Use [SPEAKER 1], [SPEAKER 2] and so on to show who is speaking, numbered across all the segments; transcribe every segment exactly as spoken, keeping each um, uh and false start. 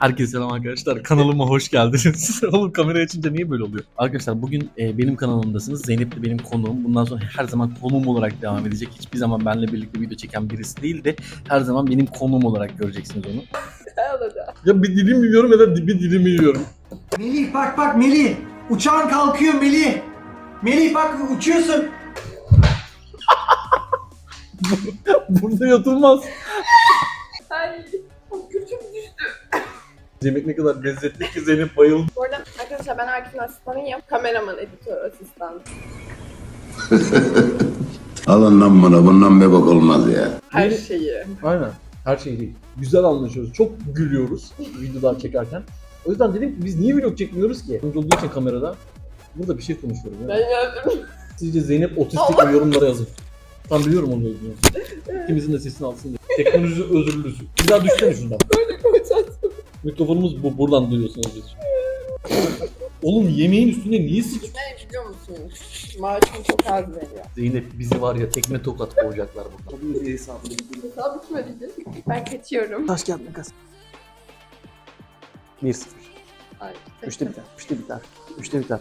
[SPEAKER 1] Herkese selam arkadaşlar. Kanalıma hoş geldiniz. Oğlum kamera açınca niye böyle oluyor? Arkadaşlar bugün e, benim kanalımdasınız. Zeynep de benim konuğum. Bundan sonra her zaman konuğum olarak devam edecek. Hiçbir zaman benimle birlikte video çeken birisi değil de her zaman benim konuğum olarak göreceksiniz onu. Ya bir dilim yiyorum ya da bir dilimi yiyorum.
[SPEAKER 2] Melih bak bak Melih. Uçağın kalkıyor Melih. Melih bak uçuyorsun.
[SPEAKER 1] Burada yatılmaz.
[SPEAKER 3] Ay, çok kötü düştü.
[SPEAKER 1] Yemek ne kadar lezzetli ki Zeynep bayıldı.
[SPEAKER 3] Bu arada arkadaşlar ben Akif'in asistanıyım. Kameraman, editör, asistan.
[SPEAKER 4] Alın lan bana, bundan bebek olmaz ya.
[SPEAKER 3] Her şeyi.
[SPEAKER 1] Aynen. Her şey değil. Güzel anlaşıyoruz. Çok gülüyoruz videolar çekerken. O yüzden dedim ki biz niye vlog çekmiyoruz ki? Önce olduğu için kamerada. Burada bir şey konuşuyoruz.
[SPEAKER 3] Ben
[SPEAKER 1] Yani.
[SPEAKER 3] yazdım.
[SPEAKER 1] Sizce Zeynep otistik mi? Yorumlara yazın. Ben biliyorum onu yazıyor. İkimizin de sesini alsın diye. Teknoloji özürlüsü. Bir daha düşsene şundan.
[SPEAKER 3] Böyle koyacağız.
[SPEAKER 1] Mikrofonumuz bu. Buradan duyuyorsunuz biz. Oğlum yemeğin üstüne niye sıç?
[SPEAKER 3] Ne biliyor musunuz? Maaşım çok az veriyor.
[SPEAKER 1] Zeynep bizi var ya tekme tokat koyacaklar burada. Bu bir hesabı.
[SPEAKER 3] Hesap bitmedi ki. Ben kaçıyorum.
[SPEAKER 1] Taş kağıt makas. bir sıfır.
[SPEAKER 3] Ay,
[SPEAKER 1] Üçte biter. Üçte biter. Üçte biter.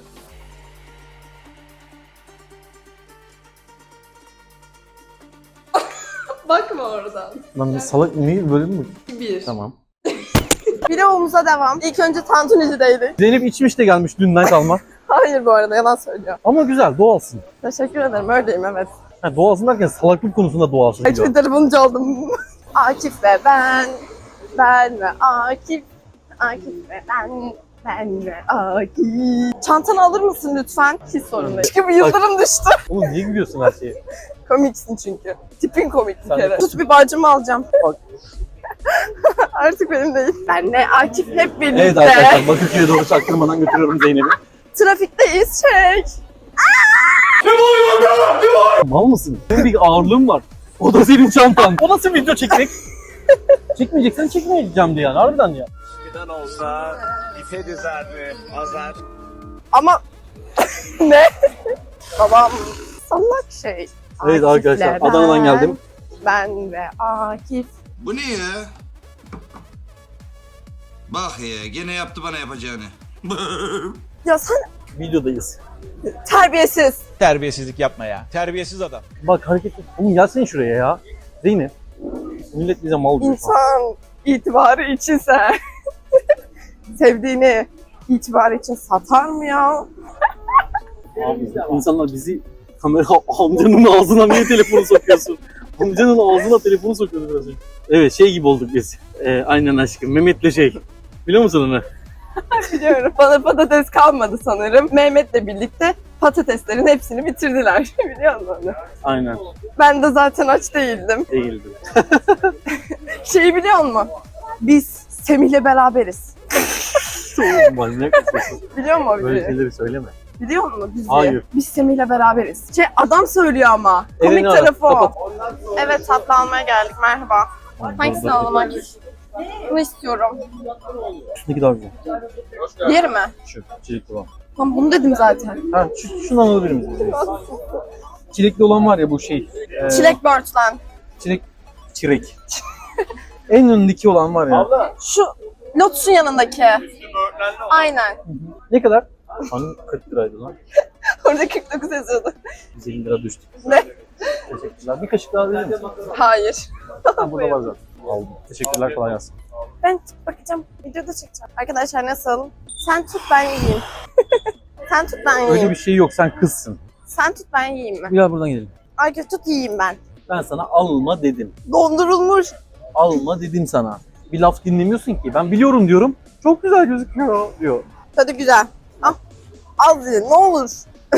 [SPEAKER 3] Bakma oradan.
[SPEAKER 1] Lan salak niye böyle mi?
[SPEAKER 3] Bir.
[SPEAKER 1] Tamam.
[SPEAKER 3] Vlogumuza devam. İlk önce Tantuni'deydik.
[SPEAKER 1] Zeynep içmiş de gelmiş dünden kalma.
[SPEAKER 3] Hayır bu arada yalan söylüyor.
[SPEAKER 1] Ama güzel doğalsın.
[SPEAKER 3] Teşekkür ederim öyleyim evet.
[SPEAKER 1] Ha, doğalsın derken salaklık konusunda doğalsın.
[SPEAKER 3] Ay Twitter bunca oldum. Akif ve ben. Ben ve Akif. Akif ve ben. Ben ve Akif. Çantanı alır mısın lütfen? Hiç sorun değil. Çünkü bu yıldırım düştü.
[SPEAKER 1] Oğlum niye gülüyorsun her şeye?
[SPEAKER 3] Komiksin çünkü. Tipin komik bir
[SPEAKER 1] Sen
[SPEAKER 3] kere.
[SPEAKER 1] de-
[SPEAKER 3] Tut bir bacımı alacağım.
[SPEAKER 1] Bak.
[SPEAKER 3] Artık benim değil. Benle Akif hep birlikte.
[SPEAKER 1] Evet arkadaşlar Bakırköy'e doğru çaktırmadan götürüyorum Zeynep'i.
[SPEAKER 3] Trafikteyiz çek.
[SPEAKER 1] Mal mısın? Senin bir ağırlığın var. O da senin çantan. O nasıl video çekmek? Çekmeyeceksen çekmeyeceğim diye yani harbiden ya.
[SPEAKER 5] Eskiden olsa ipe dizerdi, azar.
[SPEAKER 3] Ama ne? Babam salak şey.
[SPEAKER 1] Evet arkadaşlar
[SPEAKER 3] Akif'le
[SPEAKER 1] Adana'dan
[SPEAKER 3] ben,
[SPEAKER 1] geldim.
[SPEAKER 3] Ben ve Akif.
[SPEAKER 4] Bu ne ya? Bak ya, gene yaptı bana yapacağını.
[SPEAKER 3] Ya sen
[SPEAKER 1] Videodayız.
[SPEAKER 3] terbiyesiz.
[SPEAKER 5] Terbiyesizlik yapma ya. Terbiyesiz adam.
[SPEAKER 1] Bak hareket et. Oğlum gelsene şuraya ya. Zeynep. Millet bize mal diyor. şu an.
[SPEAKER 3] İnsan itibarı içinse sevdiğini itibar için satar mı ya?
[SPEAKER 1] Abi insanlar bizi kamera amcanın ağzına niye telefonu sokuyorsun? Amcanın ağzına telefonu sokuyordu biraz önce. Evet şey gibi olduk biz. Ee, aynen aşkım. Mehmet'le şey. Biliyor musun onu?
[SPEAKER 3] Biliyorum. Bana patates kalmadı sanırım. Mehmet'le birlikte patateslerin hepsini bitirdiler. Biliyor musun onu?
[SPEAKER 1] Aynen.
[SPEAKER 3] Ben de zaten aç değildim.
[SPEAKER 1] Değildi.
[SPEAKER 3] Şeyi biliyor musun? Biz Semih'le beraberiz.
[SPEAKER 1] Oğlum manyak mısın?
[SPEAKER 3] Biliyor musun o
[SPEAKER 1] Böyle
[SPEAKER 3] videoyu?
[SPEAKER 1] şeyleri söyleme.
[SPEAKER 3] Biliyor musun bizi?
[SPEAKER 1] Hayır.
[SPEAKER 3] Biz Semih'le beraberiz. Şey adam söylüyor ama. Komik
[SPEAKER 1] Elini ara,
[SPEAKER 3] tarafı o.
[SPEAKER 1] kapat.
[SPEAKER 3] Evet tatlı almaya geldik. Merhaba. Hangisini almak? Bunu istiyorum.
[SPEAKER 1] Şundaki daha güzel.
[SPEAKER 3] Diğeri mi?
[SPEAKER 1] Şu çilekli olan.
[SPEAKER 3] Tamam bunu dedim zaten.
[SPEAKER 1] Ha şu, şundan alabilir miyiz? Çilekli olan var ya bu şey. E,
[SPEAKER 3] Çilek börtlen.
[SPEAKER 1] Çilek. Çilek. En önündeki olan var ya.
[SPEAKER 3] Şu Lotus'un yanındaki. Aynen.
[SPEAKER 1] Ne kadar? Hani kırk liraydı lan.
[SPEAKER 3] Orada kırk dokuz yazıyordu.
[SPEAKER 1] yüz elli lira düştü.
[SPEAKER 3] Ne?
[SPEAKER 1] Teşekkürler. Bir kaşık daha verir misin?
[SPEAKER 3] Hayır.
[SPEAKER 1] Ha, burada var zaten. Aldım. Teşekkürler kolay gelsin.
[SPEAKER 3] Ben tut bakacağım. Videoda çekeceğim. Arkadaşlar nasıl? Sen tut ben yiyeyim. Sen tut ben yiyeyim.
[SPEAKER 1] Öyle bir şey yok sen kızsın.
[SPEAKER 3] Sen tut ben yiyeyim mi?
[SPEAKER 1] Gel buradan gidelim.
[SPEAKER 3] Ay tut yiyeyim ben.
[SPEAKER 1] Ben sana alma dedim.
[SPEAKER 3] Dondurulmuş.
[SPEAKER 1] Alma dedim sana. Bir laf dinlemiyorsun ki. Ben biliyorum diyorum. Çok güzel gözüküyor diyor.
[SPEAKER 3] Tadı güzel. Al. Al diye ne olur.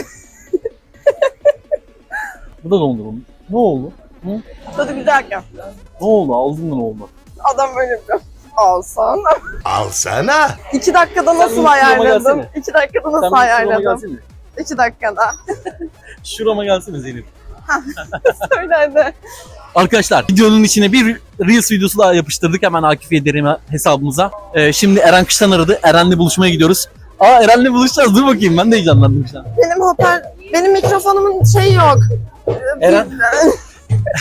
[SPEAKER 1] Bu da dondurulmuş. Ne oldu? Hı?
[SPEAKER 3] Tadı güzelken.
[SPEAKER 1] Ne oldu? Aldın mı ne oldu?
[SPEAKER 3] Adam böyle yapıyor. Alsana.
[SPEAKER 4] Alsana.
[SPEAKER 3] İki dakikada nasıl
[SPEAKER 1] şurama
[SPEAKER 3] ayarladım?
[SPEAKER 1] gelsene.
[SPEAKER 3] İki dakikada
[SPEAKER 1] Sen
[SPEAKER 3] nasıl
[SPEAKER 1] bir şurama
[SPEAKER 3] ayarladım?
[SPEAKER 1] gelsene.
[SPEAKER 3] İki dakikada.
[SPEAKER 1] Şurama gelsene Zeynep.
[SPEAKER 3] Söyle hadi.
[SPEAKER 1] Arkadaşlar videonun içine bir Reels videosu daha yapıştırdık hemen Akif Yedirim hesabımıza. Ee, şimdi Eren Kıştan aradı. Eren'le buluşmaya gidiyoruz. Aa Eren'le buluşacağız. Dur bakayım ben de heyecanlandım şu an.
[SPEAKER 3] Benim hoparl... Benim mikrofonumun şeyi yok.
[SPEAKER 1] Eren,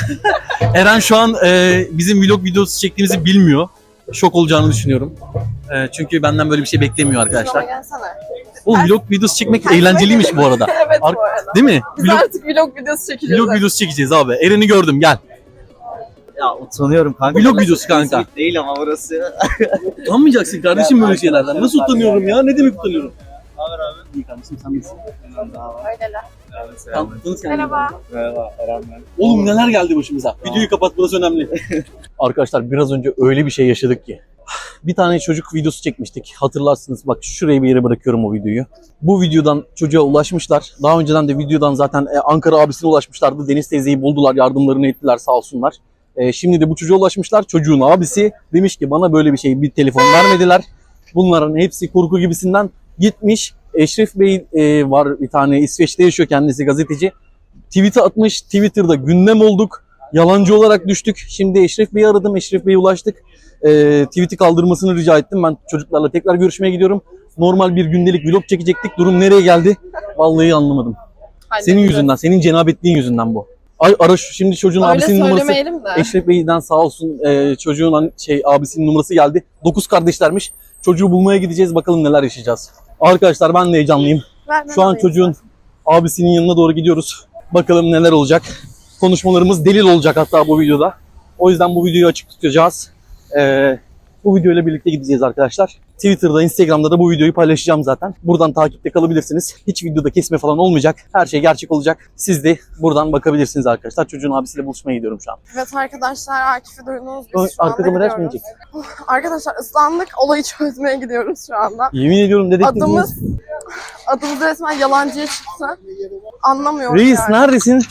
[SPEAKER 1] Eren şu an e, bizim vlog videosu çektiğimizi bilmiyor. Şok olacağını düşünüyorum. Ee, çünkü benden böyle bir şey beklemiyor
[SPEAKER 3] Şuraya
[SPEAKER 1] arkadaşlar.
[SPEAKER 3] gelsene.
[SPEAKER 1] Oğlum vlog videosu çekmek eğlenceliymiş bu arada.
[SPEAKER 3] Evet
[SPEAKER 1] Ar-
[SPEAKER 3] bu arada.
[SPEAKER 1] Değil mi?
[SPEAKER 3] Biz
[SPEAKER 1] Vlog,
[SPEAKER 3] artık vlog videosu çekeceğiz.
[SPEAKER 1] vlog videosu çekeceğiz abi. Eren'i gördüm gel.
[SPEAKER 6] Ya utanıyorum kanka.
[SPEAKER 1] Vlog
[SPEAKER 6] Burası
[SPEAKER 1] videosu kanka.
[SPEAKER 6] İzmit değil ama burası.
[SPEAKER 1] Utanmayacaksın kardeşim böyle şeylerden. Nasıl utanıyorum ya? Ne demek utanıyorum? Haber abi. İyi kardeşim sen nasılsın?
[SPEAKER 3] Öyleler.
[SPEAKER 1] Tanıttınız kendinizi.
[SPEAKER 3] Merhaba.
[SPEAKER 6] Merhaba Eren ben.
[SPEAKER 1] Oğlum neler geldi başımıza. Videoyu kapat, burası önemli. Arkadaşlar biraz önce öyle bir şey yaşadık ki. Bir tane çocuk videosu çekmiştik. Hatırlarsınız bak şuraya bir yere bırakıyorum o videoyu. Bu videodan çocuğa ulaşmışlar. Daha önceden de videodan zaten e, Ankara abisine ulaşmışlardı. Deniz teyzeyi buldular, yardımlarını ettiler sağ olsunlar. E, şimdi de bu çocuğa ulaşmışlar. Çocuğun abisi demiş ki bana böyle bir şey, bir telefon vermediler. Bunların hepsi kurgu gibisinden gitmiş. Eşref Bey e, var bir tane, İsveç'te yaşıyor kendisi, gazeteci. Tweet'e atmış. Twitter'da gündem olduk. Yalancı olarak düştük. Şimdi Eşref Bey'i aradım. Eşref Bey'e ulaştık. E, tweet'i kaldırmasını rica ettim. Ben çocuklarla tekrar görüşmeye gidiyorum. Normal bir gündelik vlog çekecektik. Durum nereye geldi? Vallahi anlamadım. Senin yüzünden, senin cenabetliğin yüzünden bu. Ay ara şu, şimdi çocuğun
[SPEAKER 3] Öyle
[SPEAKER 1] abisinin numarası.
[SPEAKER 3] söylemeyelim de.
[SPEAKER 1] Eşref Bey'den sağ olsun e, çocuğun an- şey abisinin numarası geldi. Dokuz kardeşlermiş. Çocuğu bulmaya gideceğiz. Bakalım neler yaşayacağız. Arkadaşlar ben de heyecanlıyım.
[SPEAKER 3] Ver, ben
[SPEAKER 1] Şu an
[SPEAKER 3] alayım.
[SPEAKER 1] çocuğun abisinin yanına doğru gidiyoruz. Bakalım neler olacak. Konuşmalarımız delil olacak hatta bu videoda. O yüzden bu videoyu açık tutacağız. Ee, bu videoyla birlikte gideceğiz arkadaşlar. Twitter'da, Instagram'da da bu videoyu paylaşacağım zaten. Buradan takipte kalabilirsiniz. Hiç videoda kesme falan olmayacak. Her şey gerçek olacak. Siz de buradan bakabilirsiniz arkadaşlar. Çocuğun abisiyle buluşmaya gidiyorum şu an.
[SPEAKER 3] Evet arkadaşlar, Akif'i duydunuz. Biz
[SPEAKER 1] Ö-
[SPEAKER 3] şu anda
[SPEAKER 1] arka kamera
[SPEAKER 3] gidiyoruz.
[SPEAKER 1] açmayacak.
[SPEAKER 3] Arkadaşlar ıslandık. Olayı çözmeye gidiyoruz şu anda.
[SPEAKER 1] Yemin ediyorum dedektifimiz.
[SPEAKER 3] Adımız, adımız resmen yalancıya çıktı. Anlamıyorum
[SPEAKER 1] Reis
[SPEAKER 3] yani.
[SPEAKER 1] neredesin?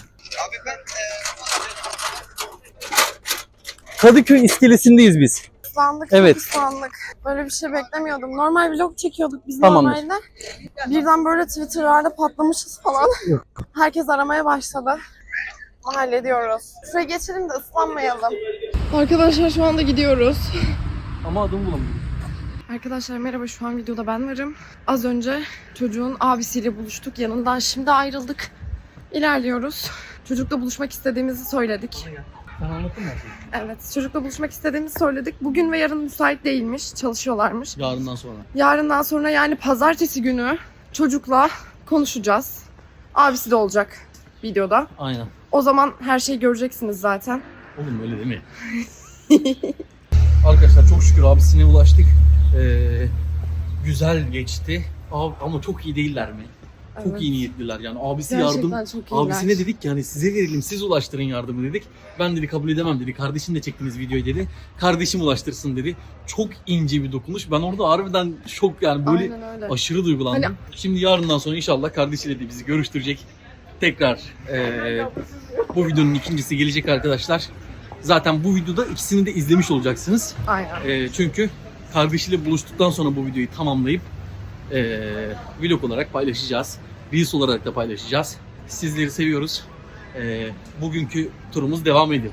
[SPEAKER 1] Kadıköy iskelesindeyiz biz.
[SPEAKER 3] Islandık,
[SPEAKER 1] Evet.
[SPEAKER 3] çok ıslandık. Böyle bir şey beklemiyordum. Normal vlog çekiyorduk biz
[SPEAKER 1] Tamamdır.
[SPEAKER 3] normalde. Birden böyle Twitter'larda patlamışız falan.
[SPEAKER 1] Yok.
[SPEAKER 3] Herkes aramaya başladı. Hallediyoruz. Şuraya geçelim de ıslanmayalım. Arkadaşlar şu anda gidiyoruz.
[SPEAKER 1] Ama adımı bulamadım.
[SPEAKER 3] Arkadaşlar merhaba, şu an videoda ben varım. Az önce çocuğun abisiyle buluştuk. Yanından şimdi ayrıldık. İlerliyoruz. Çocukla buluşmak istediğimizi söyledik.
[SPEAKER 1] Ben anlattım her şeyi.
[SPEAKER 3] Evet, çocukla buluşmak istediğimizi söyledik. Bugün ve yarın müsait değilmiş, çalışıyorlarmış.
[SPEAKER 1] Yarından sonra.
[SPEAKER 3] Yarından sonra yani pazartesi günü çocukla konuşacağız. Abisi de olacak videoda.
[SPEAKER 1] Aynen.
[SPEAKER 3] O zaman her şeyi göreceksiniz zaten.
[SPEAKER 1] Oğlum öyle değil mi? Arkadaşlar çok şükür abisine ulaştık. Ee, güzel geçti. Abi, ama çok iyi değiller mi? Çok
[SPEAKER 3] Evet.
[SPEAKER 1] iyi niyetliler yani. Abisi
[SPEAKER 3] Gerçekten
[SPEAKER 1] yardım.
[SPEAKER 3] çok iyiler.
[SPEAKER 1] Abisine dedik ki hani size verelim, siz ulaştırın yardımı dedik. Ben dedi kabul edemem dedi. Kardeşin de çektiğiniz videoyu dedi. Kardeşim ulaştırsın dedi. Çok ince bir dokunuş. Ben orada harbiden şok yani böyle
[SPEAKER 3] Aynen öyle.
[SPEAKER 1] aşırı duygulandım.
[SPEAKER 3] Hani-
[SPEAKER 1] Şimdi yarından sonra inşallah kardeşiyle de bizi görüştürecek. Tekrar eee, bu videonun ikincisi gelecek arkadaşlar. Zaten bu videoda ikisini de izlemiş olacaksınız.
[SPEAKER 3] Aynen.
[SPEAKER 1] Eee, çünkü kardeşiyle buluştuktan sonra bu videoyu tamamlayıp eee vlog olarak paylaşacağız. Reels olarak da paylaşacağız. Sizleri seviyoruz. Eee, bugünkü turumuz devam ediyor.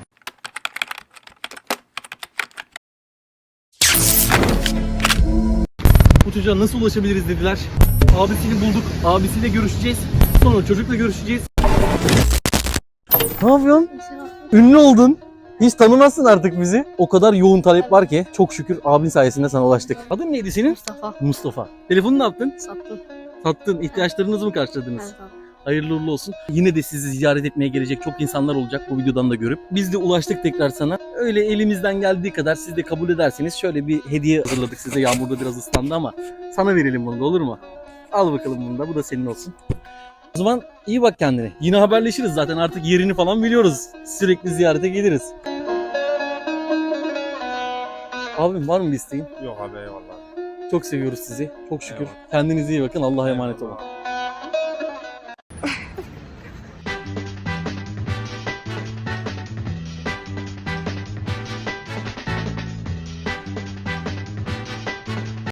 [SPEAKER 1] Bu çocuğa nasıl ulaşabiliriz dediler. Abisini bulduk. Abisiyle görüşeceğiz. Sonra çocukla görüşeceğiz. Ne yapıyorsun? Ünlü oldun. Hiç tanımazsın artık bizi. O kadar yoğun talep var ki çok şükür abin sayesinde sana ulaştık. Adın neydi senin?
[SPEAKER 3] Mustafa.
[SPEAKER 1] Mustafa. Telefonu ne yaptın?
[SPEAKER 3] Sattım.
[SPEAKER 1] Sattın. İhtiyaçlarınızı mı karşıladınız? Hayırlı uğurlu olsun. Yine de sizi ziyaret etmeye gelecek çok insanlar olacak bu videodan da görüp. Biz de ulaştık tekrar sana. Öyle elimizden geldiği kadar siz de kabul ederseniz şöyle bir hediye hazırladık size. Yağmurda biraz ıslandı ama sana verelim bunu da, olur mu? Al bakalım bunu da. Bu da senin olsun. O zaman iyi bak kendine. Yine haberleşiriz zaten, artık yerini falan biliyoruz. Sürekli ziyarete geliriz. Abim var mı bir isteğin?
[SPEAKER 5] Yok abi eyvallah.
[SPEAKER 1] Çok seviyoruz sizi. Çok şükür.
[SPEAKER 5] Eyvallah.
[SPEAKER 1] Kendinize iyi bakın. Allah'a emanet olun.